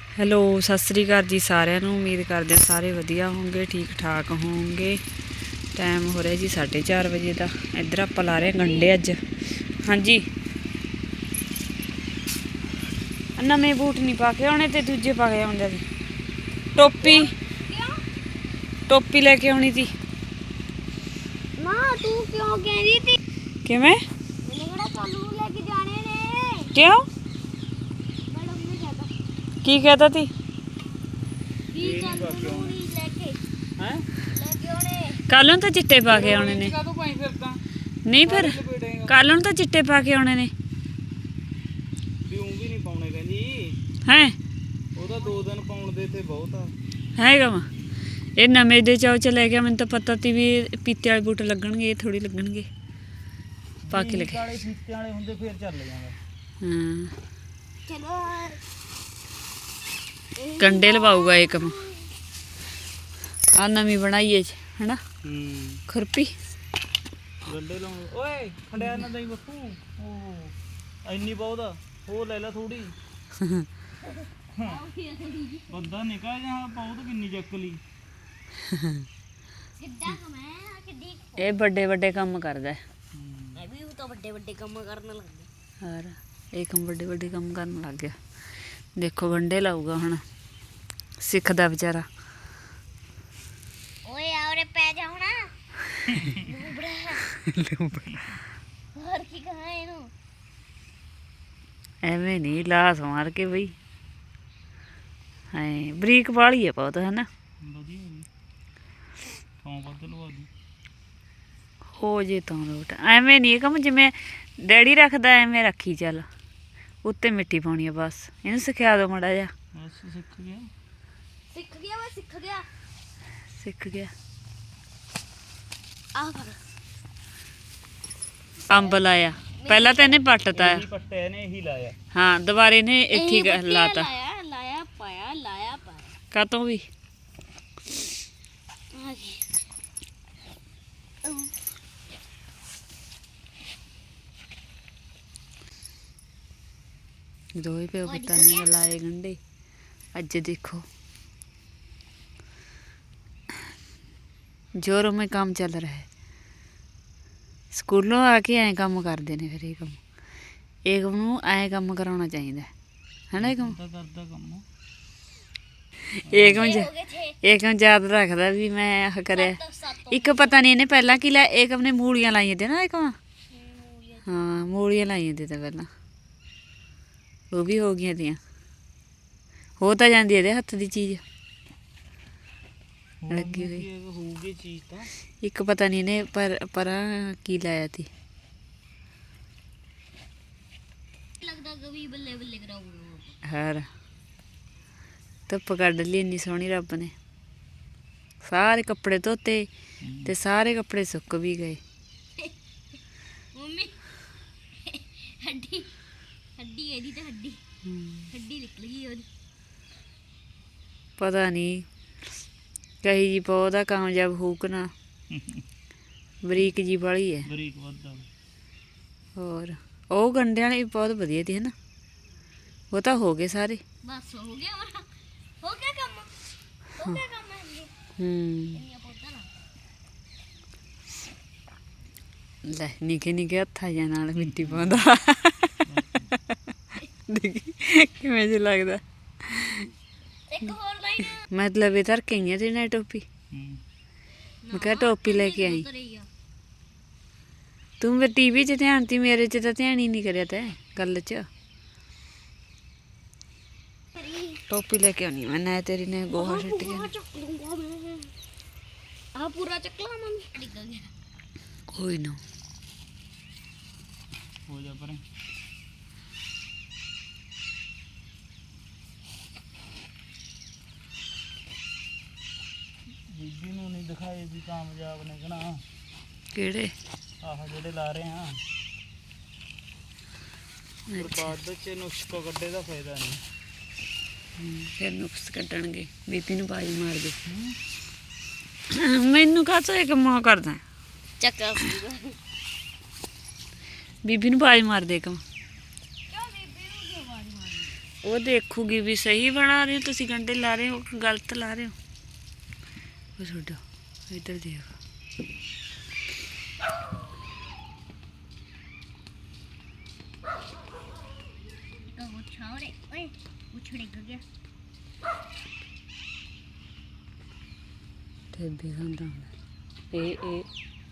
Hello ਸਤਿ ਸ੍ਰੀ ਅਕਾਲ ਜੀ ਸਾਰਿਆਂ ਨੂੰ। ਉਮੀਦ ਕਰਦੇ ਹਾਂ ਸਾਰੇ ਵਧੀਆ ਹੋਣਗੇ, ਠੀਕ ਠਾਕ ਹੋਣਗੇ। ਟਾਈਮ ਹੋ ਰਿਹਾ ਜੀ 4:30 ਵਜੇ ਦਾ। ਇੱਧਰ ਆਪਾਂ ਲਾ ਰਹੇ ਗੰਢੇ ਅੱਜ। ਹਾਂਜੀ, ਨਵੇਂ ਬੂਟ ਨਹੀਂ ਪਾ ਕੇ ਆਉਣੇ ਤੇ ਦੂਜੇ ਪਾ ਕੇ ਆਉਂਦੇ ਸੀ। ਟੋਪੀ ਲੈ ਕੇ ਆਉਣੀ ਸੀ। ਮਾਂ ਤੂੰ ਕਿਉਂ ਕਹਿੰਦੀ ਤੀ ਕਿਵੇਂ? ਮੈਨੂੰ ਕਿਹੜਾ ਕੱਲ ਨੂੰ ਲੈ ਕੇ ਜਾਣੇ ਨੇ? ਕਿਉਂ? ਮੈਡਮ ਨੇ ਕਹਤਾ ਕੀ ਕਹਤਾ ਤੀ? ਵੀ ਕੱਲ ਨੂੰ ਨਹੀਂ ਲੈ ਕੇ ਆਉਣੇ। ਕੱਲ ਨੂੰ ਤਾਂ ਚਿੱਟੇ ਪਾ ਕੇ ਆਉਣੇ ਨੇ। ਨਹੀਂ ਫਿਰ ਕੱਲ ਨੂੰ ਤਾਂ ਚਿੱਟੇ ਪਾ ਕੇ ਆਉਣੇ ਨੇ। ਵੀ ਨਹੀਂ ਪਾਉਣੇ ਕਹਿੰਦੀ ਹੈ ਉਹਦਾ 2 ਦਿਨ ਪਾਉਣ ਦੇ ਤੇ ਬਹੁਤ ਆ। ਹੈਗਾ ਵਾ ਇਹ ਨਵੇਂ ਦੇ ਚਾਉ ਚ ਲੈ ਗਿਆ। ਮੈਨੂੰ ਤਾਂ ਪਤਾ ਤੀ ਵੀ ਪੀਤੇ ਵਾਲੇ ਬੂਟ ਲੱਗਣਗੇ, ਇਹ ਥੋੜੀ ਲੱਗਣਗੇ। ਪਾ ਕੇ ਲੱਗੇ ਵਾਲੇ ਫੀਤੇ ਵਾਲੇ ਹੁੰਦੇ ਫੇਰ ਚੱਲ ਜਾਂਦਾ। ਹਾਂ, ਚਲੋ ਕੰਡੇ ਲਵਾਊਗਾ ਇਹ ਕੰਮ। ਆ ਨਵੀਂ ਬਣਾਈਏ ਹਨਾ ਖੁਰਪੀ। ਗੰਡੇ ਲਾਉਣ ਓਏ ਖੰਡਿਆ ਨਾ ਦਈ ਬੱਪੂ। ਉਹ ਇੰਨੀ ਬਹੁਤ ਆ, ਉਹ ਲੈ ਲੈ ਥੋੜੀ। ਬੰਦਾ ਨਿਕਾ ਜਾਂ ਬਹੁਤ ਕਿੰਨੀ ਚੱਕ ਲਈ। ਕਿੱਡਾ ਕਮੈ ਕਿੱਡੀ ਇਹ ਵੱਡੇ ਵੱਡੇ ਕੰਮ ਕਰਦਾ। ਮੈਂ ਵੀ ਉਹ ਤਾਂ ਵੱਡੇ ਵੱਡੇ ਕੰਮ ਕਰਨ ਲੱਗ ਗਿਆ। ਹੋਰ ਇਹ ਕੰਮ ਵੱਡੇ ਵੱਡੇ ਕੰਮ ਕਰਨ ਲੱਗ ਗਿਆ। ਦੇਖੋ ਗੰਡੇ ਲਾਊਗਾ ਹੁਣ, ਸਿੱਖਦਾ ਵਿਚਾਰਾ। ਓਏ ਆਉਰੇ ਪੈ ਜਾ ਹੁਣ। ਹੋਰ ਕੀ ਕਹਾਂ ਇਹਨੂੰ? ਐਵੇਂ ਨਹੀਂ ਲਾਸ ਮਾਰ ਕੇ ਬਈ। ਹਾਂ ਬਰੀਕ ਵਾਲੀ ਹੈ ਬਹੁਤ, ਹੈ ਨਾ? ਵਧੀਆ ਜੀ, ਥਾਂ ਵੱਧ ਲਵਾ ਦੂ ਹੋ ਜੇ ਤਾਂ ਲੋਟ। ਐਵੇਂ ਨਹੀਂ ਇਹ ਕੰਮ ਜਿਵੇਂ ਡੈਡੀ ਰੱਖਦਾ ਐਵੇਂ ਰੱਖੀ ਚੱਲ। ਉੱਤੇ ਮਿੱਟੀ ਪਾਉਣੀ ਆ ਬਸ। ਇਹਨੂੰ ਸਿਖਾ ਦਿਓ ਮਾੜਾ ਜਿਹਾ। ਬਸ ਸਿੱਖ ਗਿਆ। ਮੈਂ ਸਿੱਖ ਗਿਆ। ਸਿੱਖ ਗਿਆ। ਆਹ ਫੜ ਅੰਬ ਲਾਇਆ ਪਹਿਲਾਂ ਤਾਂ ਇਹਨੇ ਪੱਟਤਾ। ਇਹੀ ਪੱਟਿਆ ਨੇ, ਇਹੀ ਲਾਇਆ। ਹਾਂ ਦੁਬਾਰੇ ਨੇ ਇੱਥੇ ਹੀ ਲਾਤਾ। ਲਾਇਆ ਪਾਇਆ ਕਾਤੋਂ ਵੀ ਆ ਗਈ। ਦੋਏ ਪਿਓ ਪੁੱਤਾਂ ਨੇ ਲਾਏ ਗੰਢੇ ਅੱਜ। ਦੇਖੋ जोरों में काम चल रहा है। स्कूलों आके ऐ काम करते हैं। फिर ਇਹ ਕੰਮ ਨੂੰ ਐਂ ਕੰਮ ਕਰਾਉਣਾ ਚਾਹੀਦਾ ਹੈ ਨਾ। ਇਹ ਕੰਮ ਕਰਦਾ ਕੰਮ ਇਹ ਕੰਮ ਯਾਦ ਰੱਖਦਾ ਵੀ ਮੈਂ ਆਹ ਕਰਿਆ। ਇੱਕ ਪਤਾ ਨਹੀਂ ਇਹਨੇ ਪਹਿਲਾਂ ਕੀ ਲਾਇਆ। ਇਹ ਕੰਮ ਨੇ ਮੂਲੀਆਂ ਲਾਈਆਂ ਤੇ ਨਾ। ਇਹ ਕੰਮ ਹਾਂ ਮੂਲੀਆਂ ਲਾਈਆਂ ਤੇ ਤਾਂ ਪਹਿਲਾਂ ਉਹ ਵੀ ਹੋ ਗਈਆਂ ਤੀਆਂ। ਹੋ ਤਾਂ ਜਾਂਦੀ ਇਹਦੇ ਹੱਥ ਦੀ ਚੀਜ਼ ਲੱਗੀ ਹੋਈ। ਹੋਊਗੀ ਚੀਜ਼ ਤਾਂ। ਇੱਕ ਪਤਾ ਨਹੀਂ ਇਹਨੇ ਪਰਾਂ ਕੀ ਲਾਇਆ ਤੀ। ਲੱਗਦਾ ਕਵੀ ਬੱਲੇ ਬੱਲੇ ਕਰਾਉਂਗਾ। ਹਾਰ ਧੁੱਪ ਕੱਢ ਲਈ ਇੰਨੀ ਸੋਹਣੀ ਰੱਬ ਨੇ। ਸਾਰੇ ਕੱਪੜੇ ਧੋਤੇ ਤੇ ਸਾਰੇ ਕੱਪੜੇ ਸੁੱਕ ਵੀ ਗਏ। ਮੰਮੀ ਹੱਡੀ ਇਹਦੀ ਤਾਂ ਹੱਡੀ ਨਿਕਲ ਗਈ ਉਹਦੀ। ਪਤਾ ਨਹੀਂ ਕਹੀ ਜੀ ਪੌਦਾ ਕਾਮਯਾਬ ਹੋਊ ਕਿ ਨਾ। ਬਰੀਕ ਜੀ ਵਾਲੀ ਹੈ। ਬਰੀਕ ਵੱਧਾ। ਹੋਰ ਉਹ ਗੰਢਿਆਂ ਵਾਲੀ ਬਹੁਤ ਵਧੀਆ ਤੀ, ਹੈ ਨਾ? ਉਹ ਤਾਂ ਹੋ ਗਏ ਸਾਰੇ। ਬਸ ਹੋ ਗਿਆ ਕੰਮ। ਹੋ ਗਿਆ ਕੰਮ ਇੰਨੀਆਂ ਪੌਦਾ ਲਾ। ਲੈ ਨਿੱਕੇ ਨਿੱਕੇ ਹੱਥਾਂ ਜਾਂ ਨਾਲ ਮਿੱਟੀ ਪਾਉਂਦਾ। ਦੇਖੀ ਕਿਵੇਂ ਜਿਹਾ ਲੱਗਦਾ। ਇੱਕ ਹੋਰ ਲਾਈਨ ਮਤਲਬ ਇਹ ਧਰ ਕੇ ਆਈਆਂ ਤੇ ਨਾ ਟੋਪੀ। ਮੈਂ ਕਿਹਾ ਟੋਪੀ ਲੈ ਕੇ ਆਈ। ਤੂੰ ਮੇਰੇ ਟੀਵੀ 'ਚ ਧਿਆਨ ਤੀ, ਮੇਰੇ 'ਚ ਤਾਂ ਧਿਆਨ ਹੀ ਨਹੀਂ ਕਰਿਆ ਤੈਂ ਗੱਲ 'ਚ। ਟੋਪੀ ਲੈ ਕੇ ਆਉਣੀ ਮੈਂ ਨਾ। ਤੇਰੀ ਨੇ ਗੋਹਾ ਛੱਟ ਗਿਆ। ਆਹ ਪੂਰਾ ਚੱਕਲਾ ਮੰਮੀ ਡਿੱਗ ਗਿਆ। ਕੋਈ ਨਾ ਹੋ ਜਾ ਪਰੇ। ਬੀਬੀ ਨੂੰ ਨਹੀਂ ਦਿਖਾਏ ਵੀ ਕਾਮਯਾਬ ਨੇ ਕਹਣਾ। ਕਿਹੜੇ? ਆਹ ਜਿਹੜੇ ਲਾ ਰਹੇ ਆ। ਪਰ ਬਾਅਦ ਵਿੱਚ ਨੁਸਖਾ ਕੱਢੇ ਦਾ ਫਾਇਦਾ ਨਹੀਂ। ਫਿਰ ਨੁਕਸ ਕੱਢਣਗੇ। ਬੀਬੀ ਨੂੰ ਬਾਜੀ ਮਾਰ ਦੇ। ਮੈਨੂੰ ਕਾਹਤੋਂ ਇਹ ਕੰਮ ਕਰਦਾ? ਚੱਕਾ ਬੀਬੀ ਨੂੰ ਬਾਜ ਮਾਰ ਦੇ ਕੰਮ। ਕਿਉਂ ਬੀਬੀ ਨੂੰ ਕਿਉਂ ਆਵਾਜ਼ ਮਾਰਨੀ? ਉਹ ਦੇਖੂਗੀ ਵੀ ਸਹੀ ਬਣਾ ਰਹੇ ਹੋ ਤੁਸੀਂ, ਗੰਢੇ ਲਾ ਰਹੇ ਹੋ ਕਿ ਗਲਤ ਲਾ ਰਹੇ ਹੋ। ਉਹ ਛੋਟਾ ਇੱਧਰ ਦੇਖ। तो वो छोड़े ओए उछड़ गया ਠੇਬੇ ਖਾਂਦਾ ਹੁੰਦਾ ਇਹ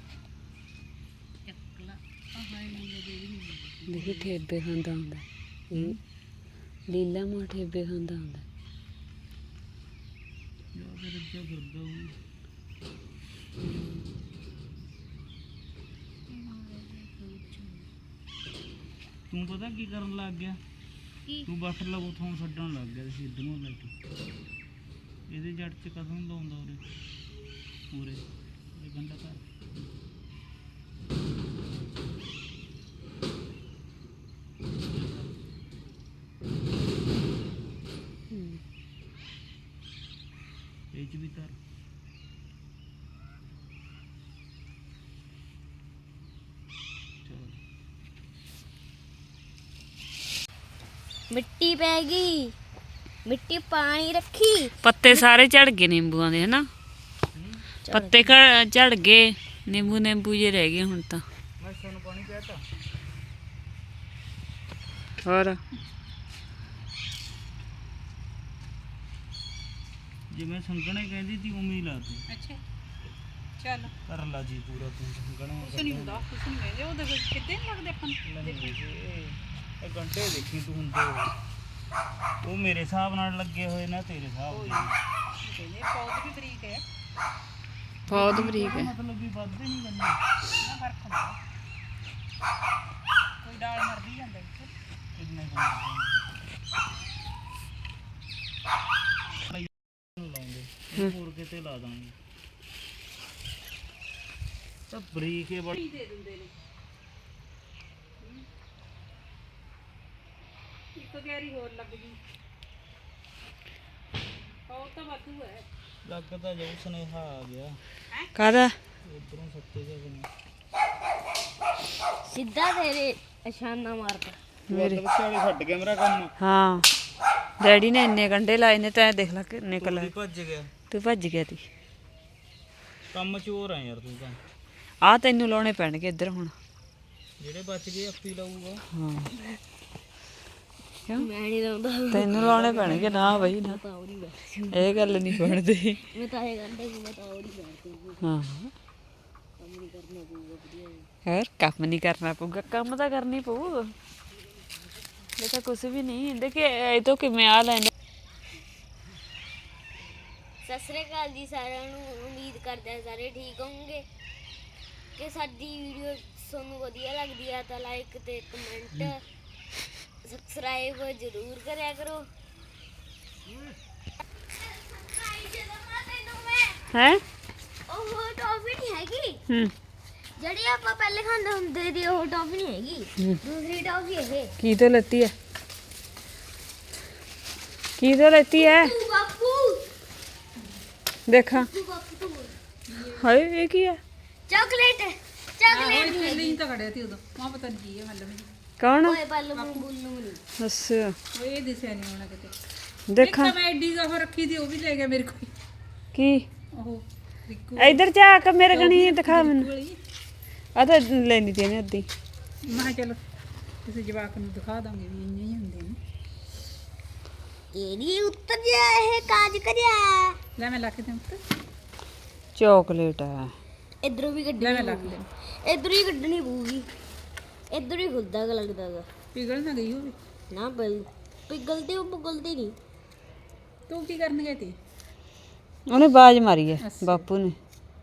चकला हाय मुझे दे दी ਦੇਖੀ ਠੇਬੇ ਖਾਂਦਾ ਹੁੰਦਾ ਇਹ ਲੀਲਾ ਮਾਂ ਠੇਬੇ ਖਾਂਦਾ ਹੁੰਦਾ। ਯਾਰ ਫਿਰ ਅੱਗੇ ਫਿਰਦਾ ਉਹ ਤੂੰ ਪਤਾ ਕੀ ਕਰਨ ਲੱਗ ਗਿਆ? ਕੀ? ਤੂੰ ਬੱਟ ਲਵੋ ਥੋਂ ਛੱਡਣ ਲੱਗ ਗਿਆ ਸੀ ਇਧਰੋਂ ਲੈ ਕੇ। ਇਹਦੇ ਜੜ 'ਚ ਕਦੋਂ ਲਾਉਂਦਾ ਉਰੇ ਇਹ ਗੰਡਾ ਕਰ ਇਹ 'ਚ ਵੀ ਧਰ। ਚਲੋ मिट्टी पैगी मिट्टी पानी रखी ਪੱਤੇ ਸਾਰੇ ਝੜ ਗਏ ਨਿੰਬੂਆਂ ਦੇ ਹਨਾ, ਪੱਤੇ ਝੜ ਗਏ, ਨਿੰਬੂ ਜੇ ਰਹਿ ਗਏ ਹੁਣ ਤਾਂ। ਮੈਂ ਸਾਨੂੰ ਪਾਣੀ ਪਿਆਤਾ ਹੋਰ ਜਿਵੇਂ ਸੰਗਣੇ ਕਹਿੰਦੀ ਤੀ ਉਵੇਂ ਹੀ ਲਾ ਤੂੰ। ਅੱਛਾ ਚੱਲ ਕਰ ਲਾ ਜੀ ਪੂਰਾ ਤੂੰ ਸੰਗਣਾ ਕੁਛ ਨਹੀਂ ਹੁੰਦਾ, ਕੁਛ ਨਹੀਂ ਕਹਿੰਦੇ ਉਹਦੇ ਵਿੱਚ ਕਿਤੇ ਨਹੀਂ ਲੱਗਦੇ ਆਪਾਂ ਨੂੰ। ਇਹ ਘੰਟੇ ਦੇਖੀ ਤੂੰ ਹੁੰਦੇ ਹੋਏ। ਉਹ ਮੇਰੇ ਹਿਸਾਬ ਨਾਲ ਲੱਗੇ ਹੋਏ ਨਾ ਤੇਰੇ ਹਿਸਾਬ ਨਾਲ। ਕਹਿੰਦੇ ਪੌਦ ਵੀ ਬਰੀਕ ਹੈ ਬਹੁਤ ਬਰੀਕ ਹੈ। ਮਤਲਬ ਵੀ ਵੱਧਦੇ ਨਹੀਂ ਗੰਦੇ ਨਾ ਫਰਕ ਹੁੰਦਾ, ਕੋਈ ਡਾਲ ਮਰ ਵੀ ਜਾਂਦਾ ਇੱਥੇ। ਇੰਨੇ ਲਾਉਂਦੇ ਇਹ ਹੋਰ ਕਿਤੇ ਲਾ ਦਾਂਗੇ ਤਾਂ ਬਰੀਕ ਹੈ ਬੜੀ ਦੇ ਦਿੰਦੇ ਨੇ ਇੱਕ ਗੈਰੀ ਹੋਰ ਲੱਗ ਗਈ, ਉਹ ਤਾਂ ਵਾਧੂ ਹੈ। ਲੱਗਦਾ ਜੋ ਸੁਨੇਹਾ ਆ ਗਿਆ ਕਾਹਦਾ? ਇਧਰੋਂ ਸੱਤੇ ਜਾ ਬਣੀ सीधा तेरे अशाना मारता ਮੇਰੇ ਵਿਚਾਲੇ ਛੱਡ ਗਿਆ ਮੇਰਾ ਕੰਮ। ਹਾਂ ਡੈਡੀ ਨੇ ਇੰਨੇ ਗੰਢੇ ਲਾਏ ਨੇ ਤਾਂ ਦੇਖ ਲੈ ਕਿੰਨੇ ਤੂੰ ਲਾਏ। ਵੀ ਭੱਜ ਗਿਆ ਤੂੰ ਭੱਜ ਗਿਆ ਤੀ। ਕੰਮ ਚੋਰ ਆ ਯਾਰ ਤੂੰ ਤਾਂ। ਆ ਤੈਨੂੰ ਲਾਉਣੇ ਪੈਣਗੇ ਇੱਧਰ ਹੁਣ। ਜਿਹੜੇ ਬਚ ਗਏ ਆਪੀ ਲਾਊਗਾ। ਹਾਂ ਕਿਉਂ मैं नहीं लाऊंगा ਤੈਨੂੰ ਲਾਉਣੇ ਪੈਣਗੇ ਨਾ ਬਈ ਨਾ, ਇਹ ਗੱਲ ਨਹੀਂ ਬਣਦੀ। मैं तो ये गंडे को मैं तो और ही बैठती हूँ ਹਾਂ काम नहीं करना पड़ेगा बढ़िया ਯਾਰ ਕੰਮ ਨਹੀਂ ਕਰਨਾ ਪਊਗਾ, ਕੰਮ ਤਾਂ ਕਰਨੀ ਪਊ। ਇਹ ਤਾਂ ਕੁਝ ਵੀ ਨਹੀਂ ਦੇਖੇ ਇਹ ਤੋਂ ਕਿਵੇਂ ਆ ਲੈਣੇ। ਸਤਿ ਸ੍ਰੀ ਅਕਾਲ ਜੀ ਸਾਰਿਆਂ ਨੂੰ। ਉਮੀਦ ਕਰਦੇ ਹਾਂ ਸਾਰੇ ਠੀਕ ਹੋਵੋਗੇ ਕਿ ਸਾਡੀ ਵੀਡੀਓ ਤੁਹਾਨੂੰ ਵਧੀਆ ਲੱਗਦੀ ਆ ਤਾਂ ਲਾਈਕ ਤੇ ਕਮੈਂਟ ਸਬਸਕ੍ਰਾਈਬ ਜ਼ਰੂਰ ਕਰਿਆ ਕਰੋ। ਹੈ ਉਹ ਟੌਫੀ ਨਹੀਂ ਹੈਗੀ ਹੂੰ ਜਿਹੜੀ ਆਪਾਂ ਪਹਿਲੇ ਖਾਂਦੇ ਹੁੰਦੇ ਸੀ, ਉਹ ਟੌਫੀ ਨਹੀਂ ਹੈਗੀ, ਦੂਸਰੀ ਟੌਫੀ ਇਹ। ਕੀ ਤੋਂ ਲੈਤੀ ਹੈ? ਕੀ ਤੋਂ ਲੈਤੀ ਹੈ? ਤੂੰ ਬਾਪੂ ਦੇਖਾਂ। ਤੂੰ ਬਾਪੂ ਤੂੰ ਹਾਏ ਇਹ ਕੀ ਹੈ? ਚਾਕਲੇਟ ਚਾਕਲੇਟ ਨਹੀਂ ਹੈਗੀ। ਨਹੀਂ ਤਾਂ ਖੜਿਆ ਸੀ ਉਦੋਂ, ਮਾਂ ਪਤਾ ਨਹੀਂ ਕੀ ਹੈ ਮਤਲਬ ਕੌਣ? ਓਏ ਪੱਲ ਬੁੱਲੂ ਨਹੀਂ ਅੱਛਾ ਉਹ ਇਹ ਦਿਸਿਆ ਨਹੀਂ ਹੋਣਾ ਕਿਤੇ। ਇੱਕ ਦੇਖਾਂ ਤਾਂ ਮੈਂ ਐਡੀ ਉਹ ਰੱਖੀ ਸੀ, ਉਹ ਵੀ ਲੈ ਗਿਆ ਮੇਰੇ ਕੋਲ। ਕੀ ਉਹ ਰਿੱਕੂ ਇੱਧਰ ਜਾ ਕੇ ਮੇਰੇ ਗਣੀ ਦਿਖਾ ਮੈਨੂੰ। ਵਾਲੀ। ਆ ਤਾਂ ਲੈਣੀ ਤੇ ਨੇ ਅੱਧੀ। ਮੈਂ ਕਿਹਾ ਚਲੋ ਕਿਸੇ ਜਵਾਕ ਨੂੰ ਦਿਖਾ ਦਾਂਗੇ ਵੀ ਇੰਨੇ ਹੀ ਹੁੰਦੇ ਨੇ। ਇਹਦੀ ਉੱਤਰ ਜਾ ਇਹ ਕਾਜ ਕਰਿਆ ਲੈ ਮੈਂ ਲੱਕ ਦੇ ਉੱਤੇ, ਚਾਕਲੇਟ ਹੈ। ਇਧਰੋਂ ਵੀ ਲੈ ਕੱਢਣੀ ਮੈਂ ਲੱਕ ਪਊਗੀ। ਦੇ ਇਧਰੋਂ ਹੀ ਕੱਢਣੀ ਪਊਗੀ। ਇਧਰੋਂ ਹੀ ਖੁੱਲਦਾ ਗਾ ਲੱਗਦਾ ਗਾ ਪਿਘਲ ਨਾ ਗਈ ਹੋਵੇ। ਨਾ ਬਲ ਪਿਗਲਦੇ ਉਹ ਪੁਗਲਦੇ ਨਹੀਂ। ਤੂੰ ਕੀ ਕਰਨ ਗਏ ਤੀ? ਉਹਨੇ ਬਾਜ਼ ਮਾਰੀ ਹੈ ਬਾਪੂ ਨੇ,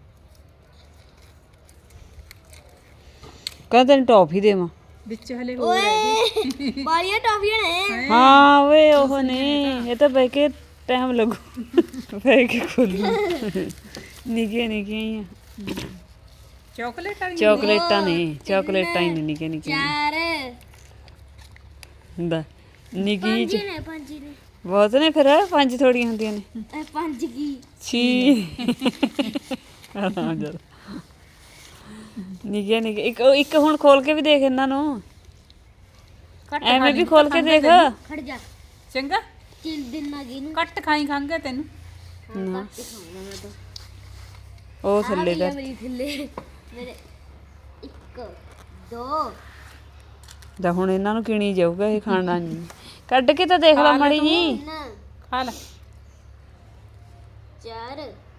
ਕਹਿੰਦਾ ਤੈਨੂੰ ਟੌਫੀ ਦੇਵਾਂ। ਵਿੱਚ ਹਲੇ ਹੋਰ ਹੈ। ਬਾਲੀਆਂ ਟਾਫੀਆਂ ਨੇ। ਹਾਂ ਓਏ ਉਹ ਨਹੀਂ, ਇਹ ਤਾਂ ਬਹਿ ਕੇ ਟਾਈਮ ਲੱਗੂ, ਬਹਿ ਕੇ ਖੋਲੂ। ਨਿੱਕੀਆਂ ਨਿੱਕੀਆਂ ਹੀ ਆ ਚਾਕਲੇਟ ਵਾਲੀ ਚਾਕਲੇਟਾਂ ਨੇ, ਚਾਕਲੇਟਾਂ ਹੀ ਨੇ ਨਿੱਕੀਆਂ ਨਿੱਕੀਆਂ ਚਾਰ ਹੁੰਦਾ ਨਿੱਕੀ ਪੰਜ ਜਿਹੀ ਨੇ ਪੰਜ ਨੇ ਬਹੁਤ ਨੇ ਫਿਰ, ਪੰਜ ਥੋੜੀਆਂ ਹੁੰਦੀਆਂ ਨੇ। ਇਹ ਪੰਜ ਕੀ ਛੀ ਨਿੱਕੀਆਂ ਨਿੱਕੀਆਂ ਇੱਕ ਹੁਣ ਖੋਲ ਕੇ ਵੀ ਦੇਖ ਇਹਨਾਂ ਨੂੰ, ਐਵੇਂ ਵੀ ਖੋਲ ਕੇ ਦੇਖ। ਖੜ ਜਾ ਚੰਗਾ ਚਿਲ ਦਿਨ ਨਾ ਗਈ ਨੂੰ ਕੱਟ ਖਾਈ ਖਾਂਗੇ ਤੈਨੂੰ ਘੱਟ ਹੀ ਖਾਊਂਗਾ ਮੈਂ ਤਾਂ ਉਹ ਥੱਲੇ ਆ ਦਾ ਮੇਰੀ ਥੱਲੇ ਮੇਰੇ 1 2 ਦਾ ਹੁਣ ਇਹਨਾਂ ਨੂੰ ਕਿਣੀ ਜਾਊਗਾ ਇਹ ਖਾਣਾ ਨਹੀਂ ਕੱਢ ਕੇ ਤਾਂ ਦੇਖ ਲਾ ਮਾੜੀ ਜੀ 3 ਖਾ ਲੈ 4